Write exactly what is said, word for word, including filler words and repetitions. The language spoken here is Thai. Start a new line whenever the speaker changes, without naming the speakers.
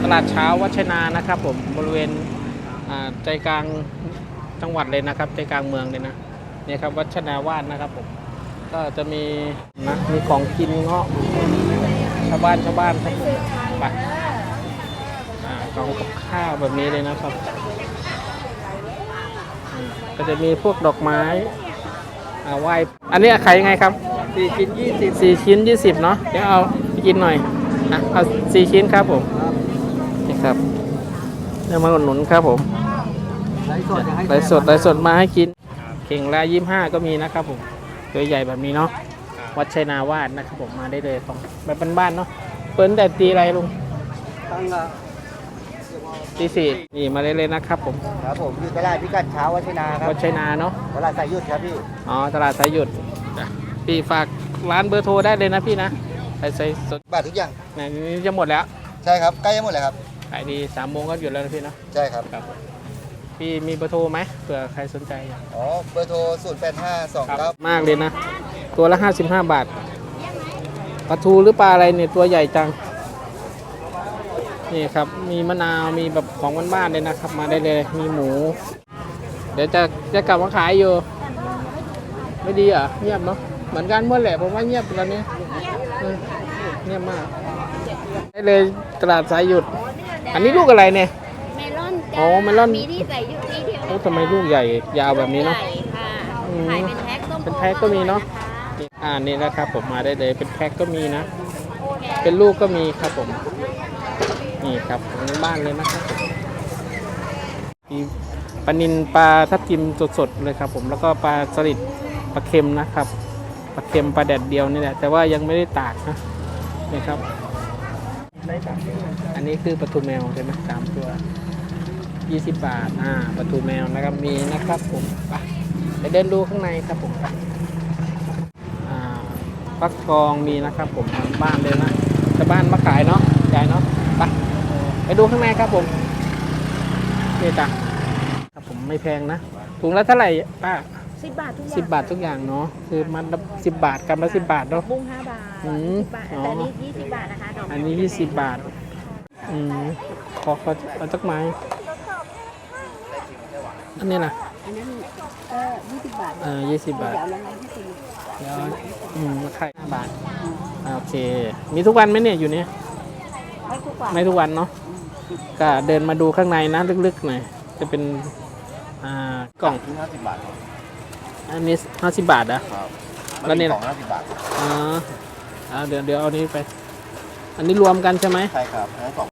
ลาดเช้าวัชนานะครับผมบริเวณใจกลางจังหวัดเลยนะครับใจกลางเมืองเลยนะนี่ครับวัชนาวาสนะครับผมก็จะมีนะมีของกินเงาะชาวบ้านชาวบ้านครับไปของกับข้าวแบบนี้เลยนะครับก็จะมีพวกดอกไม้ไหว้อันนี้ขายยังไงครับ
สี่ชิ้นยี่สิบ
สี่ชิ้นยี่สิบเนาะเดี๋ยวเอาไปกินหน่อยอ่ะเอาสี่ชิ้นครับผมนี่ครับเดี๋ยวมาอุดหนุนครับผม
ไลฟ์สด
ไลฟ์สดไลฟ์สดมาให้กินเข่งละยี่สิบห้าก็มีนะครับผมตัวใหญ่แบบนี้เนาะวัดชัยนาวาสนะครับผมมาได้เลยของแบบบ้านๆเนาะเปิ้ลแต่ตีอะไรลุง
ตั้งละ
ตีสี่นี่มาได้เลยนะครับผม
ครับผมอยู่ตลาดพิกัดเช้าวัชนาครับ
วัดชัยนาเนาะ
ตลาดสายหยุดครับพี่
อ๋อตลาดสายหยุดพี่ฝากร้านเบอร์โทรได้เลยนะพี่นะใส่ใส่สด
บาททุกอย่าง
นี่จะหมดแล้ว
ใช่ครับใกล้จะหมดเลยครับ
ขายดีสามโมงก็หยุดแล้วนะพี่เนาะ
ใช่ครับ
ครับพี่มีเบอร์โทรไหมเผื่อใครสนใจ
อ๋อเบอร์โทรศูนย์แปดห้าสองเก้าม
ากเลยนะตัวละห้าสิบห้าบาทปลาทูหรือปลาอะไรเนี่ยตัวใหญ่จังนี่ครับมีมะนาวมีแบบของบ้านๆเลยนะครับมาได้เลยมีหมูเดี๋ยวจะจะกลับมาขายอยู่ไม่ดีเหรอเงียบเนาะเหมือนกันเมื่อแหละผมว่าเงียบตอนนี้เงียบมากได้เลยตลาดสายหยุดอันนี้ลูกอะไรเนี่ย
เมลอน
โอ้เมลอน
มีที่ใส่ยุดที่เดียว
โอ้ทำไมลูกใหญ่ยาวแบบนี้เนาะ
ขายเป็นแพ็ค
เป็นแพ็คก็มีเนาะอ่านี่นะครับผมมาได้เลยเป็นแพ็คก็มีนะเป็นลูกก็มีครับผมนี่ครับบ้านเลยนะครับมีปลานิลปลาทับทิมสดๆเลยครับผมแล้วก็ปลาสลิดปลาเค็มนะครับปลาเค็มปลาแดดเดียวนี่แหละแต่ว่ายังไม่ได้ตากนะนี่ครับอันนี้คือปลาทูแมวใช่ไหมสามตัวยี่สิบบาทอ่าปลาทูแมวนะครับมีนะครับผมไปไปเดินดูข้างในครับผมอ่าฟักทองมีนะครับผมบ้านเลยนะจะบ้านมาขายเนาะใหญ่เนาะไปไปดูข้างในครับผมนี่จ้ะครับผมไม่แพงนะถุงละเท่าไหร่ป้า
สิบบาททุกอย่าง
สิบบาททุกอย่างเนาะคือมันสิบบาทกำละสิบบาทเนาะ
บุ้งห้าบาท
อืม
แต่อันนี้ยี่สิบบาทนะคะ
อันนี้ยี่สิบบาทอืมขอขอเอาจักไม้อันนี้นะ
อันนั้นก็ยี่สิบบาท
อ่ายี่สิบบาท
เดี๋ยวแล้วไงที่สี่
เดี๋ยวอืมราคาห้าบาทโอเคมีทุกวันไหมเนี่ยอยู่เนี่ย
ไม่ทุกวัน
ไม่ทุกวันเนาะก็เดินมาดูข้างในนะลึกๆหน่อยจะเป็นอ่ากล่อง
ห้าสิบบาท
อันนี้ห้าสิบบาทนะแล้วนี่
กล่องห้าสิบบาท
อ๋อเดี๋ยวเดี๋ยวเอานี้ไปอันนี้รวมกันใช่ไหม
ใช่ครับทั้งสอง